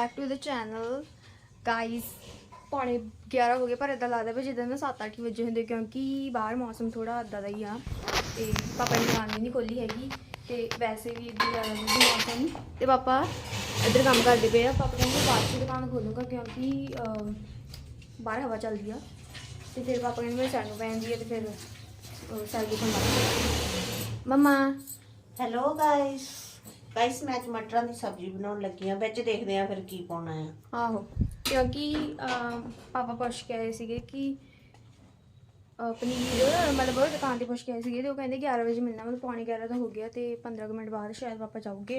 Back to the channel guys. पौने 11 हो गए पर इदा लगता भी जिदा ना 7-8 बजे होंगे क्योंकि बाहर मौसम थोड़ा इदा का ही आ। तो पापा ने दुकान भी नहीं खोली हैगी तो वैसे भी इदा ज़्यादा मौसम। तो पापा इधर काम करते पे पापा कहते बाद से दुकान खोलूँगा क्योंकि बाहर हवा चलती है। तो फिर पापा कहते मेरे सैर पैंदी है तो फिर सैर दुकान मम्मा। हेलो गाइस मैं आज मटरां की सब्जी बनाउण लगी हाँ। विच देखदे आ फिर की पाउणा है। आहो क्योंकि पापा पुछ के आए थे कि पनीर मतलब दुकान से पुछ के आए थे तो कहते 11 बजे मिलना मतलब पौने 11 तो हो गया तो 15 मिनट बाद शायद पापा जाओगे।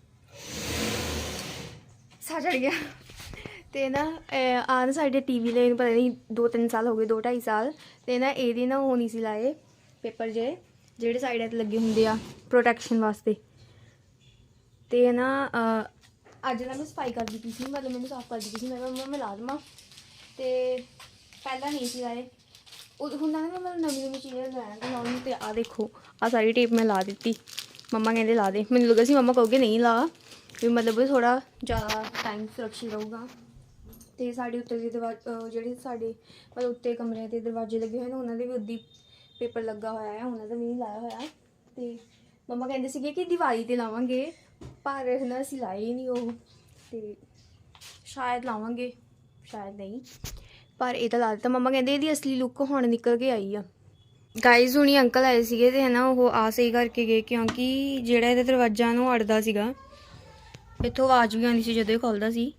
सा चढ़ गया तो ना आन साढ़े टीवी ले पता नहीं 2-3 साल हो गए 2-2.5 साल तो ना ये ना वो नहीं सी लाए पेपर ਜਿਹੜੇ ਸਾਈਡਾਂ ਤੇ ਲੱਗੇ ਹੁੰਦੇ ਆ ਪ੍ਰੋਟੈਕਸ਼ਨ ਵਾਸਤੇ। ਤੇ ਨਾ ਅੱਜ ਨਾ ਮੈਂ ਸਫਾਈ ਕਰਦੀ ਪਈ ਸੀ ਮਤਲਬ ਮੈਨੂੰ ਸਾਫ਼ ਕਰਦੀ ਪਈ ਸੀ ਮੈਂ ਕਿਹਾ ਮੰਮਾ ਮੈਂ ਲਾ ਦੇਵਾਂ ਤੇ ਪਹਿਲਾਂ ਨਹੀਂ ਸੀ ਲਾਏ। ਉਹ ਹੁੰਦਾ ਨਾ ਮੈਂ ਨਵੀਂ ਚੀਜ਼ ਲੈਣ ਤੇ ਲਾਉਣੀ ਤੇ ਆ ਦੇਖੋ ਆ ਸਾਰੀ ਟੇਪ ਮੈਂ ਲਾ ਦਿੱਤੀ। ਮੰਮਾ ਕਹਿੰਦੇ ਲਾ ਦੇ ਮੈਨੂੰ ਲੱਗਾ ਸੀ ਮੰਮਾ ਕਹੋਗੇ ਨਹੀਂ ਲਾ ਵੀ ਮਤਲਬ ਥੋੜਾ ਜ਼ਿਆਦਾ ਟਾਈਮ ਸੁਰੱਖਿਅਤ ਰਹੂਗਾ। ਤੇ ਸਾਡੇ ਉੱਤੇ ਦੇ ਜਿਹੜੇ ਸਾਡੇ ਮਤਲਬ ਉੱਤੇ ਕਮਰਿਆਂ ਦੇ ਦਰਵਾਜ਼ੇ ਲੱਗੇ ਹੋਏ ਨੇ ਉਹਨਾਂ ਦੇ ਵੀ ਉੱਦੀ पेपर लगा होया है उन्होंने भी नहीं लाया होया। तो मम्मा कहते थे कि दिवाली ते लावांगे पर ना असीं लाए ही नहीं वो तो शायद लावांगे शायद नहीं पर ये तो ला दिता। मम्मा कहते इसकी असली लुक हुण निकल के आई आ। गाइज हुणी अंकल आए थे तो है ना वो आ सही करके गए क्योंकि जिहड़ा इहदा दरवाजा ना अड़दा सीगा इत्थों आवाज़ भी आती सी जदों खुलदा सी।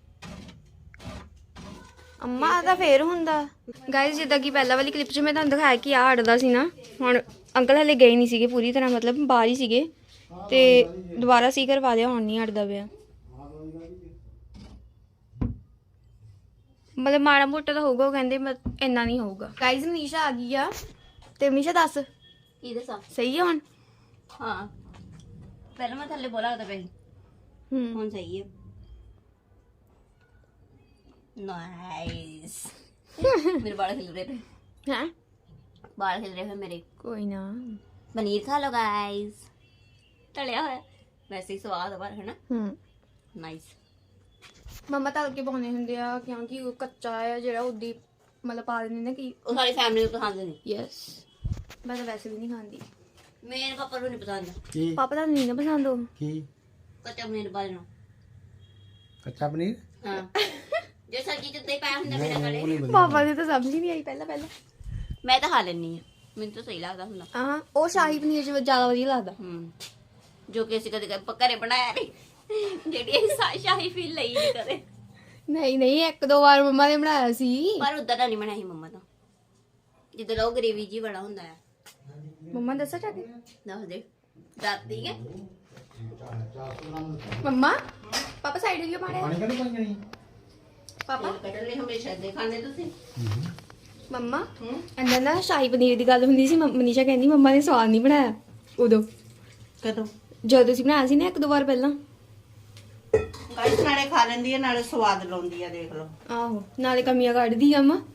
अम्मा तो फिर होंदा गाइस जिदा कि पहला वाली क्लिप च मैं तुहानूं दिखाया कि आ अड़दा सी ना हुण अंकल हले गए नहीं सीगे पूरी तरह मतलब बाहर ही सीगे ते दोबारा सी करवा दिया हुण नहीं अड़दा पिया मतलब माड़ा मोटा तो होगा वो कहंदे इन्ना नहीं होगा। गाइस मनीषा आ गई आ ते मनीषा दस की दसा सही है हुण। हाँ पहले मैं थल्ले बोला था भाई हुण सही है। नाइस मेरे बाल खिल रहे थे हैं बाल खिल रहे थे मेरे। कोई ना पनीर खा लो गाइस तलिया होया वैसे ही स्वाद है पर है ना। नाइस मम्मा तल के पाने हुंदे आ क्योंकि वो कच्चा है जेड़ा उदी मतलब पा देंदे ने कि वो सारी फैमिली को पसंद नहीं। यस मैं तो वैसे भी नहीं खाती मेरे पापा को नहीं पसंद। पापा तो नहीं ना पसंद हो की कच्चा पनीर बाल नो कच्चा पनीर हां जो सब्जी च दही पाया हुंदा मेरा गले पापा ने तो समझ ही नहीं आई पहला मैं तो खा लेनी है मैंने तो सही लगता हुंदा। हाँ वो शाही पनीर च ज्यादा वधिया लगदा जो कि ਅਸੀਂ ਕਦੇ ਘਰੇ ਬਣਾਇਆ ਨਹੀਂ ਜਿਹੜੀ ਅਸੀਂ ਸ਼ਾਹੀ ਫੀਲ ਲਈ ਨਹੀਂ ਕਦੇ। नहीं एक दो बार मम्मा ने बनाया सी ਪਰ ਉਦਾਂ ਦਾ ਨਹੀਂ ਬਣਾਈ ਮੰਮਾ ਤਾਂ ਜਿੱਦਾਂ ਉਹ ਗ੍ਰੇਵੀ ਜੀ ਬੜਾ ਹੁੰਦਾ ਹੈ। मम्मा दसा चाहे ਦੱਸ ਦੇ ਰਾਤੀ ਹੈ मम्मा पापा साइड हो पाने पानी का नहीं पानी पापा ਕੱਢ ਲੈ ਹਮੇਸ਼ਾ ਦੇ ਖਾਣੇ ਤੁਸੀਂ मम्मा अंदर ना शाही पनीर की गल हुंदी सी मनीषा कहंदी मम्मा ने स्वाद नहीं बनाया उदो ਕਦੋਂ ਜਦੋਂ ਤੁਸੀਂ ਬਣਾਇਆ ਸੀ ਨਾ ਇੱਕ ਦੋ ਵਾਰ ਪਹਿਲਾਂ। ਗਾਇਸ ਨਾਲੇ ਖਾ ਲੈਂਦੀ ਹੈ ਨਾਲੇ ਸਵਾਦ ਲਾਉਂਦੀ ਹੈ ਦੇਖ ਲਓ। ਆਹੋ ਨਾਲੇ ਕਮੀਆਂ ਕੱਢਦੀ ਆ ਮਾਂ।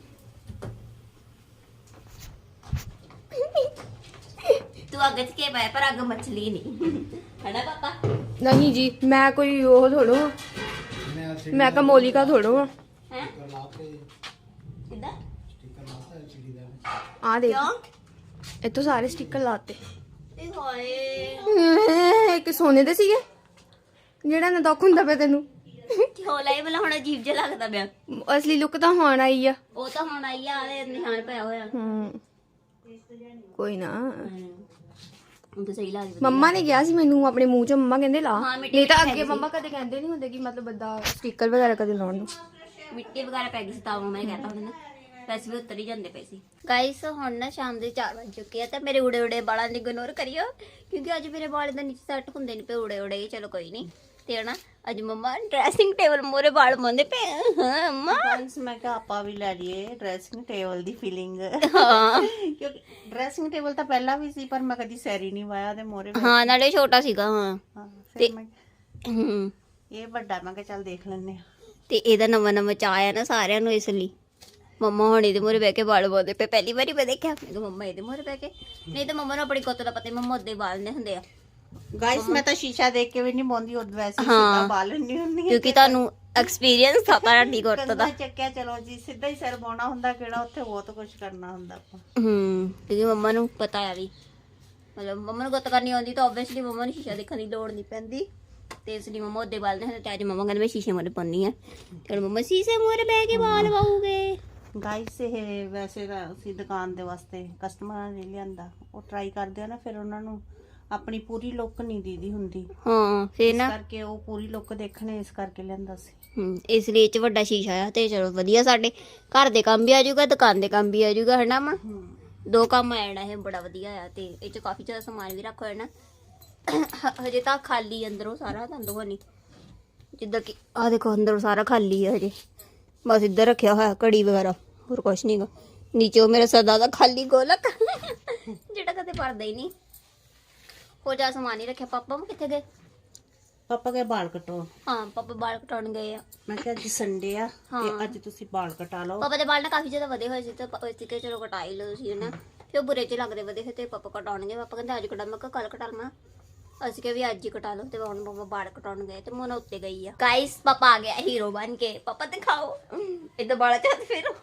ਤੂੰ ਅੱਗ 'ਚ ਕੇ ਪਾਇਆ ਪਰ ਅੱਗ ਮੱਛਲੀ ਨਹੀਂ ਹੈ ਨਾ ਪਾਪਾ। नहीं जी मैं कोई वो थोड़ो मैं कमोलिका थोड़ो ਹੈ स्टिकर ਕਿੱਦਾਂ लाता है सीढ़ी दा आ देख ਕਿਉਂ इतो सारे स्टिकर लाते ਤੇ ਹੋਏ एक सोने दे ਸੀਗੇ ਜਿਹੜਾ ਨਾ ਦੁੱਖ ਹੁੰਦਾ ਪਿਆ ਤੈਨੂੰ ਕਿਉਂ ਲਾਈ ਬਲਾ ਹੁਣ ਅਜੀਬ ਜਿਹਾ ਲੱਗਦਾ ਪਿਆ। ਅਸਲੀ ਲੁੱਕ ਤਾਂ ਹੁਣ ਆਈ ਆ। ਉਹ ਤਾਂ ਹੁਣ ਆਈ ਆ ਆਲੇ ਨਿਸ਼ਾਨ ਪਿਆ ਹੋਇਆ। ਕੋਈ ਨਾ ਹੁਣ ਤਾਂ ਸਹੀ ਲੱਗਦੀ। ਮੰਮਾ ਨੇ ਕਿਹਾ ਸੀ ਮੈਨੂੰ ਆਪਣੇ ਮੂੰਹ 'ਚ ਮੰਮਾ ਕਹਿੰਦੇ ਲਾ ਹਾਂ, ਮਿੱਟੀ ਨਹੀਂ ਤਾਂ ਮਿੱਟੀ ਅੱਗੇ ਮੰਮਾ ਕਦੇ ਕਹਿੰਦੇ ਨਹੀਂ ਹੁੰਦੇ ਕਿ ਮਤਲਬ ਬੰਦਾ ਸਟicker ਵਗੈਰਾ ਕਦੇ ਲਾਉਣ ਨੂੰ। ਮਿੱਟੀ ਵਗੈਰਾ ਪੈ ਗਈ ਸੀ ਤਾਂ ਮੈਂ ਕਹਤਾ ਹੁੰਦਾ ਨਾ ਵੈਸੇ ਵੀ ਉੱਤਰ ਹੀ ਜਾਂਦੇ ਪਏ ਸੀ। ਗਾਇਸ ਹੁਣ ਨਾ ਸ਼ਾਮ ਦੇ 4 ਵਜ ਚੁੱਕੇ ਆ ਤੇ ਮੇਰੇ ਉੜੇ ਉੜੇ ਵਾਲਾਂ ਨੂੰ ਇਗਨੋਰ ਕਰਿਓ ਕਿਉਂਕਿ ਅੱਜ ਮੇਰੇ ਵਾਲ ਦਾ ਨੀਚੇ ਸੈੱਟ ਹੁੰਦੇ ਨਹੀਂ ਪਏ ਉੜੇ ਉੜੇ। ਚਲੋ ਕੋਈ ਨਹੀਂ ਤੇ ਨਾ ਅੱਜ ਮੰਮਾ ਡਰੈਸਿੰਗ ਟੇਬਲ ਮੋਰੇ ਵਾਲ ਮੰਦੇ ਪਏ। ਹਾਂ ਮੰਮਾ ਮੈਂ ਕਿਹਾ ਆਪਾਂ ਵੀ ਲੈ ਲਈਏ ਡਰੈਸਿੰਗ ਟੇਬਲ ਦੀ ਫੀਲਿੰਗ। ਹਾਂ ਕਿਉਂਕਿ ਡਰੈਸਿੰਗ ਟੇਬਲ ਤਾਂ ਪਹਿਲਾਂ ਵੀ ਸੀ ਪਰ ਮੈਂ ਕਦੀ ਸੈਰੀ ਨਹੀਂ ਵਾਇਆ ਤੇ ਮੋਰੇ ਹਾਂ ਨਾਲੇ ਛੋਟਾ ਸੀਗਾ। ਹਾਂ ਫਿਰ ਮੈਂ ਹੂੰ ਇਹ ਵੱਡਾ ਮੈਂ ਕਿਹਾ ਚੱਲ ਦੇਖ ਲੈਂਦੇ ਆ। ਤੇ ਇਹਦਾ ਨਵਾਂ ਨਵਾਂ ਚਾਅ ਆਇਆ ਨਾ ਸਾਰਿਆਂ ਨੂੰ ਇਸ ਲਈ ਮੰਮਾ ਹੁਣ ਇਹਦੇ ਮੂਹਰੇ ਬਹਿ ਕੇ ਵਾਲ ਬੋਦੇ ਪਏ। ਪਹਿਲੀ ਵਾਰੀ ਮੈਂ ਦੇਖਿਆ ਮੈਂ ਕਿਹਾ ਮੰਮਾ ਇਹਦੇ ਮੂਹਰੇ ਬਹਿ ਕੇ ਨਹੀਂ ਤਾਂ ਮੰਮਾ ਨੂੰ ਆਪਣੀ ਗੁੱਤ ਦਾ ਪਤਾ ਮੰਮਾ ਉੱਦੇ ਵਾਲ ਨੇ ਹੁੰਦੇ ਆ। ਗਾਇਸ ਮੈਂ ਤਾਂ ਸ਼ੀਸ਼ਾ ਦੇਖ ਕੇ ਵੀ ਨਹੀਂ ਬੋਂਦੀ ਉਹ ਵੈਸੇ ਹਾਂ। ਸਿੱਧਾ ਬਾਲ ਨਹੀਂ ਹੁੰਦੀ ਕਿਉਂਕਿ ਤੁਹਾਨੂੰ ਐਕਸਪੀਰੀਅੰਸ ਥਾ ਤੁਹਾਡੀ ਗੁੱਤ ਕੰਗਾ ਦਾ। ਚੱਕਿਆ ਚਲੋ ਜੀ, ਸਿੱਧਾ ਹੀ ਸਿਰ ਪਾਉਣਾ ਹੁੰਦਾ, ਕਿਹੜਾ ਉੱਥੇ ਬਹੁਤ ਕੁਝ ਕਰਨਾ ਹੁੰਦਾ ਆਪਾਂ। ਕਿਉਂਕਿ ਮੰਮਾ ਨੂੰ ਪਤਾ ਆ ਵੀ ਮਤਲਬ ਮੰਮਾ ਨੂੰ ਗੁੱਤ ਕਰਨੀ ਆਉਂਦੀ ਤਾਂ ਆਬਵੀਅਸਲੀ ਮੰਮਾ ਨੂੰ ਸ਼ੀਸ਼ਾ ਦੇਖਣ ਦੀ ਲੋੜ ਨਹੀਂ ਪੈਂਦੀ, ਤੇ ਇਸ ਲਈ ਮੰਮਾ ਉਹਦੇ ਵਾਲ ਨੇ ਤੇ ਅੱਜ ਮੰਮਾ ਕਹਿੰਦੇ ਮੈਂ ਸ਼ੀਸ਼ੇ ਮੂਹਰੇ ਪਾਉਣੀ ਆ, ਤੇ ਹੁਣ ਮੰਮਾ ਸ਼ੀਸ਼ੇ ਮੂਹਰੇ ਬਹਿ ਕੇ ਵਾਲ ਵਾਉਗੇ। ਗਾਈਸ ਇਹ ਵੈਸੇ ਤਾਂ ਅਸੀਂ ਦੁਕਾਨ ਦੇ ਵਾਸਤੇ ਕਸਟਮਰਾਂ ਨੇ ਲਿਆਂਦਾ, ਉਹ ਟਰਾਈ ਕਰਦੇ ਆ ਨਾ, ਫਿਰ ਉਹਨਾਂ ਨੂੰ ਆਪਣੀ ਪੂਰੀ ਲੁੱਕ ਨਹੀਂ ਦੀਦੀ ਹੁੰਦੀ, ਹਾਂ ਫੇਰ ਇਸ ਨਾ ਕਰਕੇ ਉਹ ਪੂਰੀ ਲੁੱਕ ਦੇਖਣੇ, ਇਸ ਕਰਕੇ ਲਿਆਂਦਾ ਸੀ। ਇਸ ਲਈ ਇਹ ਚ ਵੱਡਾ ਸ਼ੀਸ਼ਾ ਆ, ਤੇ ਚਲੋ ਵਧੀਆ, ਸਾਡੇ ਘਰ ਦੇ ਕੰਮ ਵੀ ਆ ਜਾਊਗਾ, ਦੁਕਾਨ ਦੇ ਕੰਮ ਵੀ ਆ ਜਾਊਗਾ, ਹਨਾ ਮਾਂ? ਦੋ ਕੰਮ ਆ ਜਾਣਾ, ਇਹ ਬੜਾ ਵਧੀਆ ਆ। ਤੇ ਇਹ ਚ ਕਾਫੀ ਜ਼ਿਆਦਾ ਸਮਾਨ ਵੀ ਰੱਖੋ ਹੈ ਨਾ। ਹਜੇ ਤਾਂ ਖਾਲੀ ਅੰਦਰੋਂ ਸਾਰਾ, ਤੁਹਾਨੂੰ ਦਿਖਾਉਣੀ, ਜਿੱਦਾਂ ਕਿ ਆਹ ਦੇਖੋ ਅੰਦਰੋਂ ਸਾਰਾ ਖਾਲੀ ਹੈ ਹਜੇ, ਬਸ ਇੱਧਰ ਰੱਖਿਆ ਹੋਇਆ ਘੜੀ ਵਗੈਰਾ, ਹੋਰ ਕੁਛ ਨਹੀਂਗਾ। ਨੀਚੇ ਉਹ ਮੇਰਾ ਸਦਾ ਦਾ ਖਾਲੀ ਗੋਲਕ ਜਿਹੜਾ ਕਦੇ ਭਰਦਾ ਹੀ ਨਹੀਂ, ਹੋਰ ਜ਼ਿਆਦਾ ਸਮਾਨ ਹੀ ਰੱਖਿਆ। ਪਾਪਾ ਕਿੱਥੇ ਗਏ? ਪਾਪਾ ਕੇ ਵਾਲ ਕਟਾਉਣ। ਹਾਂ ਪਾਪਾ ਵਾਲ ਕਟਾਉਣ ਗਏ ਆ। ਮੈਂ ਕਿਹਾ ਅੱਜ ਸੰਡੇ ਆ ਤੇ ਅੱਜ ਤੁਸੀਂ ਵਾਲ ਕਟਾ ਲਓ। ਪਾਪਾ ਦੇ ਵਾਲ ਨਾ ਕਾਫੀ ਜ਼ਿਆਦਾ ਵਧੇ ਹੋਏ ਸੀ, ਤੇ ਅਸੀਂ ਕਿ ਚਲੋ ਕਟਾ ਹੀ ਲਓ ਤੁਸੀਂ, ਹਨਾ। ਫਿਰ ਉਹ ਬੁਰੇ ਚ ਲੱਗਦੇ ਵਧੇ ਹੋਏ, ਤੇ ਪਾਪਾ ਕਟਾਉਣਗੇ। ਪਾਪਾ ਕਹਿੰਦੇ ਅੱਜ ਕਟਾ, ਮੈਂ ਕਿਹਾ ਕੱਲ ਕਟਾ ਲਵਾਂ। ਅਸੀਂ ਕਿਹਾ ਵੀ ਅੱਜ ਹੀ ਕਟਾ ਲਓ, ਤੇ ਹੁਣ ਪਾਪਾ ਵਾਲ ਕਟਾਉਣ ਗਏ, ਤੇ ਮੋਨਾ ਉੱਤੇ ਗਈ ਆ। ਗਾਇਸ ਪਾਪਾ ਆ ਗਿਆ ਹੀਰੋ ਬਣ ਕੇ। ਪਾਪਾ ਦਿਖਾਓ ਇਦਾਂ ਵਾਲਾ ਚਾਹਤ ਫਿਰ।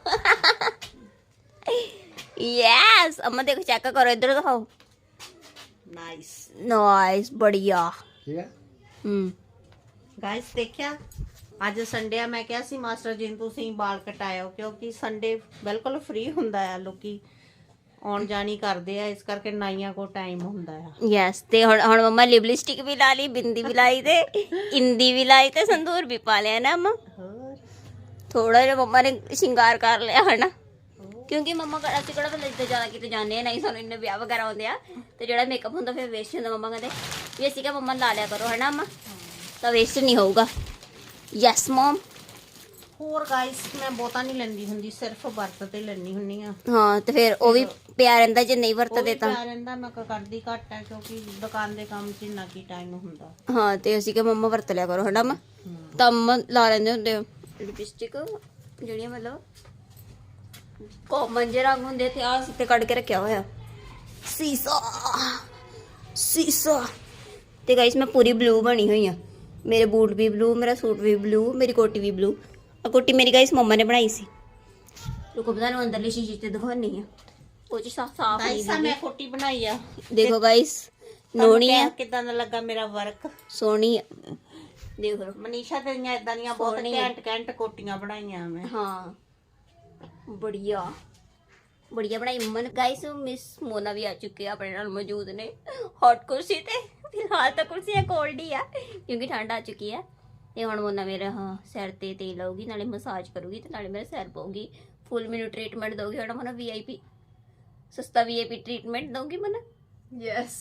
ਯੈਸ ਅਮਾ ਦੇਖੋ, ਚੈੱਕ ਕਰੋ, ਇੱਧਰ ਦਿਖਾਓ। ਨਾਈਸ ਨਾਈਸ ਬੜੀਆ। ਠੀਕ ਹੈ। ਗਾਇਸ ਦੇਖਿਆ, ਅੱਜ ਸੰਡੇ ਆ, ਮੈਂ ਕਿਹਾ ਸੀ ਮਾਸਟਰ ਜੀ ਨੂੰ ਤੁਸੀਂ ਵਾਲ ਕਟਾਇਓ, ਕਿਉਂਕਿ ਸੰਡੇ ਬਿਲਕੁਲ ਫ੍ਰੀ ਹੁੰਦਾ ਆ, ਲੋਕੀ ਆਉਣ ਜਾਣੀ ਕਰਦੇ ਆ, ਇਸ ਕਰਕੇ ਨਾਈਆਂ ਕੋ ਟਾਈਮ ਹੁੰਦਾ ਆ। ਯੈਸ ਤੇ ਹੁਣ ਮੰਮਾ ਲਿਪਸਟਿਕ ਵੀ ਲਾ ਲਈ, ਬਿੰਦੀ ਵੀ ਲਾਈ, ਤੇ ਇੰਦੀ ਵੀ ਲਾਈ, ਤੇ ਸੰਦੂਰ ਵੀ ਪਾ ਲਿਆ ਨਾ ਅਮਾ। ਹੋਰ ਥੋੜਾ ਜਿਹਾ ਮੰਮਾ ਨੇ ਸ਼ਿੰਗਾਰ ਕਰ ਲਿਆ ਹਨਾ, ਕਿਉਂਕਿ ਮੰਮਾ ਅਸੀਂ ਕਿਹੜਾ ਬੰਦੇ ਜਿੱਦਾਂ ਜ਼ਿਆਦਾ ਕਿਤੇ ਜਾਂਦੇ ਆ, ਨਹੀਂ ਸਾਨੂੰ ਇੰਨੇ ਵਿਆਹ ਵਗੈਰਾ ਆਉਂਦੇ ਆ, ਤੇ ਜਿਹੜਾ ਮੇਕਅਪ ਹੁੰਦਾ ਫਿਰ ਵੇਸਟ ਹੁੰਦਾ। ਮੰਮਾ ਕਹਿੰਦੇ ਵੀ ਅਸੀਂ ਕਿਹਾ ਮੰਮਾ ਲਾ ਲਿਆ ਕਰੋ ਹਨਾ ਅਮਾ, ਤਾਂ ਵੇਸਟ ਨਹੀਂ ਹੋਊਗਾ। Yes ma'am. ਹੋਰ ਗਾਇਸ ਮੈਂ ਬਹੁਤਾ ਨਹੀਂ ਲੈਂਦੀ ਹੁੰਦੀ, ਸਿਰਫ ਵਰਤ ਤੇ ਲੈਣੀ ਹੁੰਨੀ ਆ। ਹਾਂ ਤੇ ਫਿਰ ਉਹ ਵੀ ਪਿਆ ਰਹਿੰਦਾ, ਜੇ ਨਹੀਂ ਵਰਤਦੇ ਤਾਂ। ਪਿਆ ਰਹਿੰਦਾ, ਮੈਂ ਕਰਦੀ ਘੱਟ ਹੈ, ਕਿਉਂਕਿ ਦੁਕਾਨ ਦੇ ਕੰਮ 'ਚ ਇੰਨਾ ਕੀ ਟਾਈਮ ਹੁੰਦਾ। ਹਾਂ ਤੇ ਅਸੀਂ ਕਿਹਾ ਮੰਮਾ ਵਰਤ ਲਿਆ ਕਰੋ ਹਨਾ ਅਮਾ, ਤਾਂ ਮੰਮਾ ਲਾ ਲੈਂਦੇ ਹੁੰਦੇ ਆ ਲਿਪਸਟਿਕ, ਜਿਹੜੀਆਂ ਮਤਲਬ ਕਾਮਨ ਜਿਹੇ ਰੰਗ ਹੁੰਦੇ, ਤੇ ਆਹ ਸਿੱਤੇ ਕੱਢ ਕੇ ਰੱਖਿਆ ਹੋਇਆ ਸੀਸਾ ਸੀਸਾ। ਤੇ ਗਾਇਸ ਮੈਂ ਪੂਰੀ ਬਲੂ ਬਣੀ ਹੋਈ ਆ, ਮੇਰੇ ਬੂਟ ਵੀ ਬਲੂ, ਮੇਰਾ ਸੂਟ ਵੀ ਬਲੂ, ਮੇਰੀ ਕੋਟੀ ਵੀ ਬਲੂ। ਆ ਕੋਟੀ ਮੇਰੀ ਗਾਇਸ ਮੰਮਾ ਨੇ ਬਣਾਈ ਸੀ, ਰੁਕੋ ਪਤਾ ਨੂੰ ਅੰਦਰਲੀ ਸ਼ੀਸ਼ੇ ਤੇ ਦਿਖਾਉਣੀ ਆ, ਉਹ ਚ ਸਾਫ ਨਹੀਂ ਗਾਇਸ ਮੈਂ ਕੋਟੀ ਬਣਾਈ ਆ, ਦੇਖੋ ਗਾਇਸ, ਨੋਣੀ ਆ, ਕਿਦਾਂ ਦਾ ਲੱਗਾ ਮੇਰਾ ਵਰਕ? ਸੋਹਣੀ ਆ, ਦੇਖ ਲਓ। ਮਨੀਸ਼ਾ ਤੇਰੀਆਂ ਇਦਾਂ ਦੀਆਂ ਬਹੁਤ ਘੈਂਟ ਕੋਟੀਆਂ ਬਣਾਈਆਂ ਮੈਂ। ਹਾਂ ਬੜੀਆ ਬੜੀਆ ਬਣਾਈ ਮੰਮਾ ਨੇ। ਗਾਇਸ ਮਿਸ ਮੋਨਾ ਵੀ ਆ ਚੁੱਕੇ ਆ, ਆਪਣੇ ਨਾਲ ਮੌਜੂਦ ਨੇ ਹੌਟ ਕੁਰਸੀ ਤੇ। ਫਿਲਹਾਲ ਤਾਂ ਕੁਰਸੀਆਂ ਕੋਲਡ ਹੀ ਆ, ਕਿਉਂਕਿ ਠੰਡ ਆ ਚੁੱਕੀ ਆ। ਤੇ ਹੁਣ ਮੋਨਾ ਮੇਰਾ ਸਿਰ ਤੇ ਤੇਲ ਲਾਉਗੀ, ਨਾਲੇ ਮਸਾਜ ਕਰੂਗੀ, ਤੇ ਨਾਲੇ ਮੇਰਾ ਸਿਰ ਪਾਉਗੀ, ਫੁੱਲ ਮੈਨੂੰ ਟ੍ਰੀਟਮੈਂਟ ਦਊਗੀ। ਹੁਣ ਮਨਾ VIP ਸਸਤਾ VIP ਟ੍ਰੀਟਮੈਂਟ ਦਊਗੀ ਮਨਾ। ਯੈਸ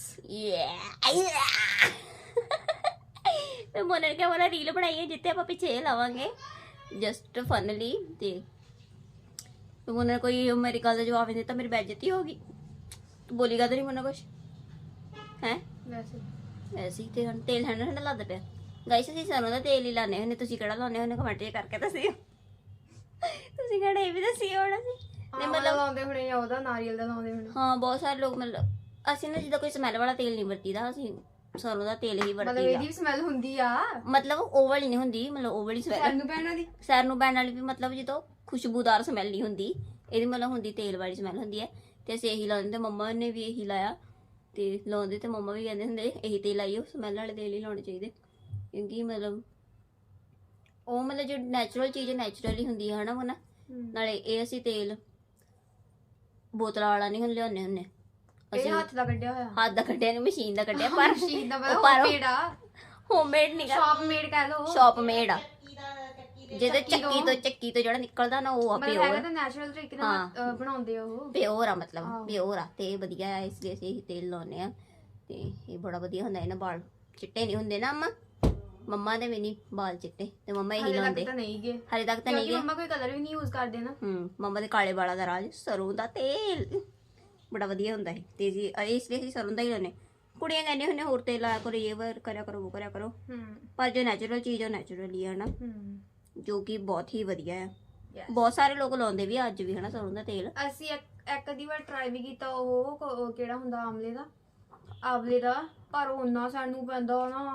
ਮੈਂ ਮੋਨਾ ਨੇ ਕਿਹਾ ਮੋਨਾ ਰੀਲ ਬਣਾਈ ਹੈ ਜਿੱਤੇ ਆਪਾਂ ਪਿੱਛੇ ਲਾਵਾਂਗੇ ਜਸਟ ਫਨਲੀ। ਤੇ ਮੋਨਾ ਨੇ ਕੋਈ ਮੇਰੀ ਗੱਲ ਦਾ ਜਵਾਬ ਨਹੀਂ ਦਿੱਤਾ, ਮੇਰੀ ਬੇਇੱਜ਼ਤੀ ਹੋ ਗਈ। ਤੂੰ ਬੋਲੀਗਾ ਤਾਂ ਨਹੀਂ ਮੋਨਾ ਕੁਛ ਹੈ ਵੈਸੇ ਹੀ। ਤੇ ਹੁਣ ਤੇਲ ਠੰਡਾ ਲੱਗਦਾ ਪਿਆ। ਗਾਇਸ ਅਸੀਂ ਸਰੋਂ ਦਾ ਤੇਲ ਹੀ ਲਾਉਂਦੇ ਹੁੰਦੇ, ਤੁਸੀਂ ਕਿਹੜਾ ਲਾਉਂਦੇ ਹੁੰਦੇ ਕਮੈਂਟ ਕਰਕੇ ਦੱਸਿਓ। ਤੁਸੀਂ ਕਿਹੜਾ ਇਹ ਵੀ ਦੱਸਿਓ ਹੁਣ। ਅਸੀਂ ਮਤਲਬ ਲਾਉਂਦੇ ਹੋਣੇ, ਜਾਂ ਉਹਦਾ ਨਾਰੀਅਲ ਦਾ ਲਾਉਂਦੇ ਹੋਣੇ। ਹਾਂ ਬਹੁਤ ਸਾਰੇ ਲੋਕ, ਮਤਲਬ ਅਸੀਂ ਨਾ ਜਿੱਦਾਂ ਕੋਈ ਸਮੈਲ ਵਾਲਾ ਤੇਲ ਨਹੀਂ ਵਰਤੀਦਾ, ਅਸੀਂ ਸਰੋਂ ਦਾ ਤੇਲ ਹੀ ਮਤਲਬ ਵਰਤੀਦਾ। ਇਹਦੀ ਵੀ ਸਮੈਲ ਹੁੰਦੀ ਆ, ਮਤਲਬ ਉਹ ਵਾਲੀ ਨਹੀਂ ਹੁੰਦੀ, ਮਤਲਬ ਉਹ ਵਾਲੀ ਸਮੈਲ ਨੂੰ ਪੈਣਾ ਦੀ ਸੈਰ ਨੂੰ ਪੈਣ ਵਾਲੀ ਵੀ, ਮਤਲਬ ਜਦੋਂ ਖੁਸ਼ਬੂਦਾਰ ਸਮੈਲ ਨਹੀਂ ਹੁੰਦੀ, ਇਹਦੀ ਮਤਲਬ ਹੁੰਦੀ ਤੇਲ ਵਾਲੀ ਸਮੈਲ ਹੁੰਦੀ ਹੈ। ਤੇ ਅਸੀਂ ਇਹੀ ਲਾਉਂਦੇ, ਤੇ ਮੰਮਾ ਨੇ ਵੀ ਇਹੀ ਲਾਇਆ, ਤੇ ਲਾਉਂਦੇ, ਤੇ ਮੰਮਾ ਵੀ ਕਹਿੰਦੇ ਹੁੰਦੇ ਇਹੀ ਤੇਲ ਲਾਈਓ, ਸਮੈਲ ਵਾਲੇ ਤੇਲ ਹੀ ਲਾਉਣੇ ਚਾਹੀਦੇ, ਕਿਉਂਕਿ ਮਤਲਬ ਉਹ ਮਤਲਬ ਜੋ ਨੈਚੁਰਲ ਚੀਜ਼ ਨੈਚੁਰਲੀ ਹੁੰਦੀ ਹੈ ਹਨਾ ਮਨਾ। ਨਾਲੇ ਇਹ ਅਸੀਂ ਤੇਲ ਬੋਤਲਾਂ ਵਾਲਾ ਨਹੀਂ ਹੁਣ ਲਿਆਉਂਦੇ ਹੁੰਦੇ, ਇਹ ਹੱਥ ਦਾ ਕੱਢਿਆ ਹੋਇਆ, ਹੱਥ ਦਾ ਕੱਢਿਆ ਨਹੀਂ ਮਸ਼ੀਨ ਦਾ ਕੱਢਿਆ, ਪਰ ਮਸ਼ੀਨ ਦਾ ਮਤਲਬ ਹੋਮਮੇਡ ਆ, ਹੋਮਮੇਡ ਨਹੀਂ ਗਾ, ਸ਼ਾਪ ਮੇਡ ਕਹਿ ਲਓ, ਸ਼ਾਪ ਮੇਡ ਆ। ਜਿਹਦੇ ਚੱਕੀ ਤੋਂ ਜਿਹੜਾ ਨਿਕਲਦਾ ਨਾ ਉਹ ਆ ਮਤਲਬ ਪਿਓਰ, ਹੈਗਾ ਤਾਂ ਨੈਚੁਰਲ ਤਰੀਕੇ ਨਾਲ ਬਣਾਉਂਦੇ ਆ ਉਹ, ਪਿਓਰ ਆ, ਮਤਲਬ ਪਿਓਰ ਆ, ਤੇ ਇਹ ਵਧੀਆ ਆ, ਇਸ ਲਈ ਅਸੀਂ ਇਹ ਤੇਲ ਲਾਉਂਦੇ ਆ, ਤੇ ਇਹ ਬੜਾ ਵਧੀਆ ਹੁੰਦਾ। ਇਹਨਾਂ ਵਾਲ ਚਿੱਟੇ ਨਹੀਂ ਹੁੰਦੇ ਨਾ ਮੰਮਾ ਦੇ ਵੀ ਨਹੀਂ ਵਾਲ ਚਿੱਟੇ, ਤੇ ਮੰਮਾ ਇਹੀ ਲਾਉਂਦੇ। ਹਲੇ ਤੱਕ ਤਾਂ ਨਹੀਂ ਗਏ, ਮੰਮਾ ਕੋਈ ਕਲਰ ਵੀ ਨਹੀਂ ਯੂਜ਼ ਕਰਦੇ ਨਾ। ਮੰਮਾ ਦੇ ਕਾਲੇ ਵਾਲਾਂ ਦਾ ਰਾਜ ਸਰੋਂ ਦਾ ਤੇਲ ਬੜਾ ਵਧੀਆ ਹੁੰਦਾ ਹੈ, ਤੇ ਜੀ ਇਸ ਲਈ ਅਸੀਂ ਸਰੋਂ ਦਾ ਹੀ ਲਾਉਂਦੇ। ਕੁੜੀਆਂ ਕਹਿੰਦੇ ਹੁੰਦੇ ਹੋਰ ਤੇਲ ਲਾਇਆ ਕਰੋ, ਇਹ ਕਰਿਆ ਕਰੋ, ਉਹ ਕਰਿਆ ਕਰੋ, ਪਰ ਜੋ ਨੈਚੁਰਲ ਚੀਜ਼ ਉਹ ਨੈਚੁਰਲੀ ਹੈ ਨਾ, ਜੋ ਕਿ ਬਹੁਤ ਹੀ ਵਧੀਆ ਹੈ। ਬਹੁਤ ਸਾਰੇ ਲੋਕ ਲਾਉਂਦੇ ਵੀ ਅੱਜ ਵੀ ਹਨਾ ਸਰੋਂ ਦਾ ਤੇਲ। ਅਸੀਂ ਇੱਕ ਅੱਧੀ ਵਾਰ ਟਰਾਈ ਵੀ ਕੀਤਾ, ਉਹ ਕਿਹੜਾ ਹੁੰਦਾ ਆਮਲੇ ਦਾ, ਪਰ ਉਹਨਾਂ ਸਾਨੂੰ ਪੈਂਦਾ ਨਾ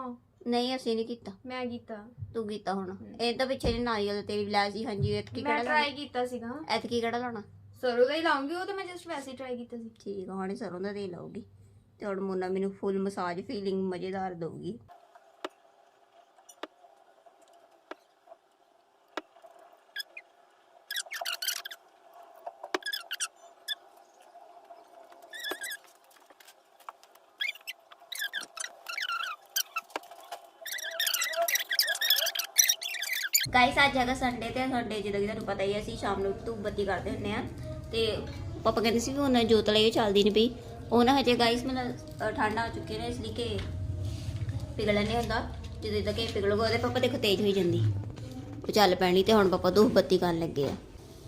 ਨਹੀਂ ਅਸੀਂ ਨਹੀਂ ਕੀਤਾ, ਮੈਂ ਕੀਤਾ। ਤੂੰ ਕੀਤਾ ਹੁਣ। ਇਹ ਤਾਂ ਪਿੱਛੇ ਜਿਹੇ ਨਾਰੀਅਲ ਦਾ ਤੇਲ ਲੈ ਸੀ। ਹਾਂਜੀ ਐਤਕੀ ਮੈਂ ਕਿਹੜਾ ਟਰਾਈ ਕੀਤਾ ਸੀਗਾ। ਲਾਉਣਾ? ਐਤਕੀ ਕਿਹੜਾ ਲਾਉਣਾ? ਸਰੋਂ ਦਾ ਹੀ ਲਾਉਂਗੀ, ਉਹ ਤਾਂ ਮੈਂ ਜਸਟ ਵੈਸੇ ਹੀ ਟਰਾਈ ਕੀਤਾ ਸੀ। ਠੀਕ ਆ, ਹੁਣ ਸਰੋਂ ਦਾ ਤੇਲ ਲਾਉਗੀ ਤੇ ਹੁਣ ਮੋਨਾ ਮੈਨੂੰ ਫੁੱਲ ਮਸਾਜ ਫੀਲਿੰਗ ਮਜ਼ੇਦਾਰ ਦਊਗੀ। ਗਾਇਸ ਅੱਜ ਹੈਗਾ ਸੰਡੇ ਤੇ ਸੰਡੇ ਜਿੱਦਾਂ ਕਿ ਤੁਹਾਨੂੰ ਪਤਾ ਹੀ ਹੈ ਅਸੀਂ ਸ਼ਾਮ ਨੂੰ ਧੂਪ ਬੱਤੀ ਕਰਦੇ ਹੁੰਦੇ ਆ ਤੇ ਪਾਪਾ ਕਹਿੰਦੇ ਸੀ ਵੀ ਉਹਨਾਂ ਜੋਤ ਲਈ ਚੱਲਦੀ ਨਹੀਂ ਪਈ। ਉਹ ਨਾ ਹਜੇ ਗਾਇਸ ਮਤਲਬ ਠੰਡਾ ਹੋ ਚੁੱਕੇ ਨੇ, ਇਸ ਲਈ ਕਿ ਪਿਘਲਣ ਨਹੀਂ ਹੁੰਦਾ। ਜਦੋਂ ਤੱਕ ਇਹ ਪਿਘਲੂਗਾ ਉਹਦੇ ਪਾਪਾ ਦੇਖੋ ਤੇਜ਼ ਹੋਈ ਜਾਂਦੀ, ਉਹ ਚੱਲ ਪੈਣੀ। ਤੇ ਹੁਣ ਪਾਪਾ ਧੂਪ ਬੱਤੀ ਕਰਨ ਲੱਗੇ ਆ।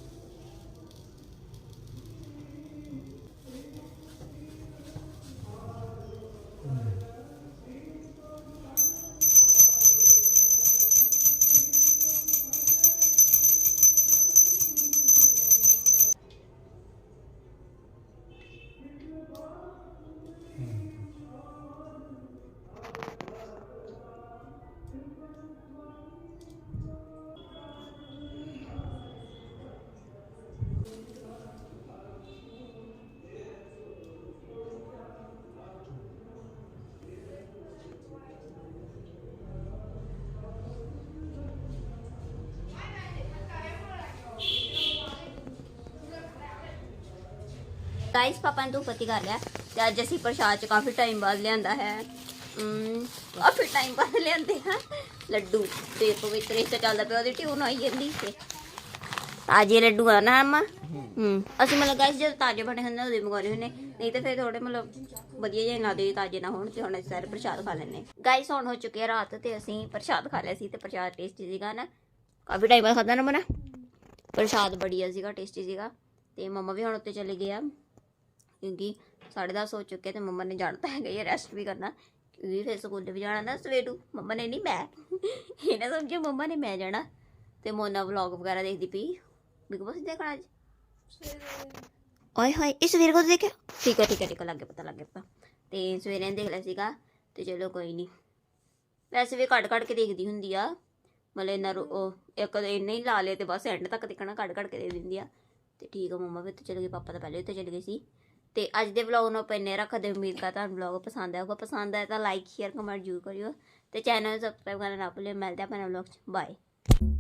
गाइस पापा ने धूप बत्ती कर लिया ते अज असी प्रसाद च काफ़ी टाइम बाद लियांदा है। काफ़ी टाइम बाद लियांदे हैं लड्डू ते पवित्र इस चलदा पिया ओदी ट्यून आई जंदी ते ताजे लड्डू आ ना अम्मा। ਅਸੀਂ मतलब गाइस जब ताजे बने ਹੁੰਦੇ ਉਹਦੇ ਮੰਗਾਉਣੇ ਹੁੰਦੇ, ਨਹੀਂ ਤਾਂ ਫਿਰ ਥੋੜੇ मतलब ਵਧੀਆ ਜਿਹੇ ਨਾ ਦੇ ਤਾजे ਨਾ ਹੋਣ। ਤੇ ਹੁਣ ਅਸੀਂ ਸਾਰੇ ਪ੍ਰਸ਼ਾਦ ਖਾ ਲੈਣੇ। गाइस ਹੁਣ ਹੋ ਚੁੱਕੀ ਹੈ ਰਾਤ ਤੇ ਅਸੀਂ ਪ੍ਰਸ਼ਾਦ ਖਾ ਲਿਆ ਸੀ ਤੇ ਪ੍ਰਸ਼ਾਦ ਟੇਸਟੀ ਸੀਗਾ ਨਾ, ਕਾਫੀ ਟਾਈਮ ਬਾਅਦ ਖਾਦਾ ਨਾ ਮਨਾ। ਪ੍ਰਸ਼ਾਦ ਬੜੀਆ ਸੀਗਾ, ਟੇਸਟੀ ਸੀਗਾ। ਤੇ ਮੰਮਾ ਵੀ ਹੁਣ ਉੱਤੇ ਚਲੇ ਗਏ ਆ क्योंकि 10:30 हो चुके तो मम्मा ने जाना है गई रेस्ट भी करना क्योंकि फिर स्कूल भी जाना ना सवेरू। मम्मा ने नहीं मैं इन्हें समझो मम्मा ने मैं जाना। तो मोना व्लॉग वगैरह देखती पी बिग बॉस देखना अज। ओए हाय इस सवेरे को देखे ठीक है ठीक है लग गया पता लग गया पता। तो सवेरे देख लिया सीगा तो चलो कोई नहीं। वैसे भी कट कट के देखती होंगी आ मतलब इन्ना एक इन्ना ही ला लिया तो बस एंड तक देखना कट कट के दे दिंदी आ। तो ठीक है मम्मा भी तो चले गए, पापा तो पहले तो चले गए सी। ਤੇ ਅੱਜ ਦੇ ਵਲੌਗ ਨੂੰ ਆਪਾਂ ਇੰਨੇ ਰੱਖਦੇ। ਉਮੀਦ ਕਰਦਾ ਤੁਹਾਨੂੰ ਵਲੌਗ ਪਸੰਦ ਆਊਗਾ। ਪਸੰਦ ਆਇਆ ਤਾਂ ਲਾਈਕ ਸ਼ੇਅਰ ਕਮੈਂਟ ਜ਼ਰੂਰ ਕਰਿਓ ਤੇ ਚੈਨਲ ਨੂੰ ਸਬਸਕ੍ਰਾਈਬ ਕਰਨਾ ਨਾ ਭੁੱਲਿਓ। ਮਿਲਦੇ ਆਪਾਂ ਨਵੇਂ ਵਲੌਗ 'ਚ, ਬਾਏ।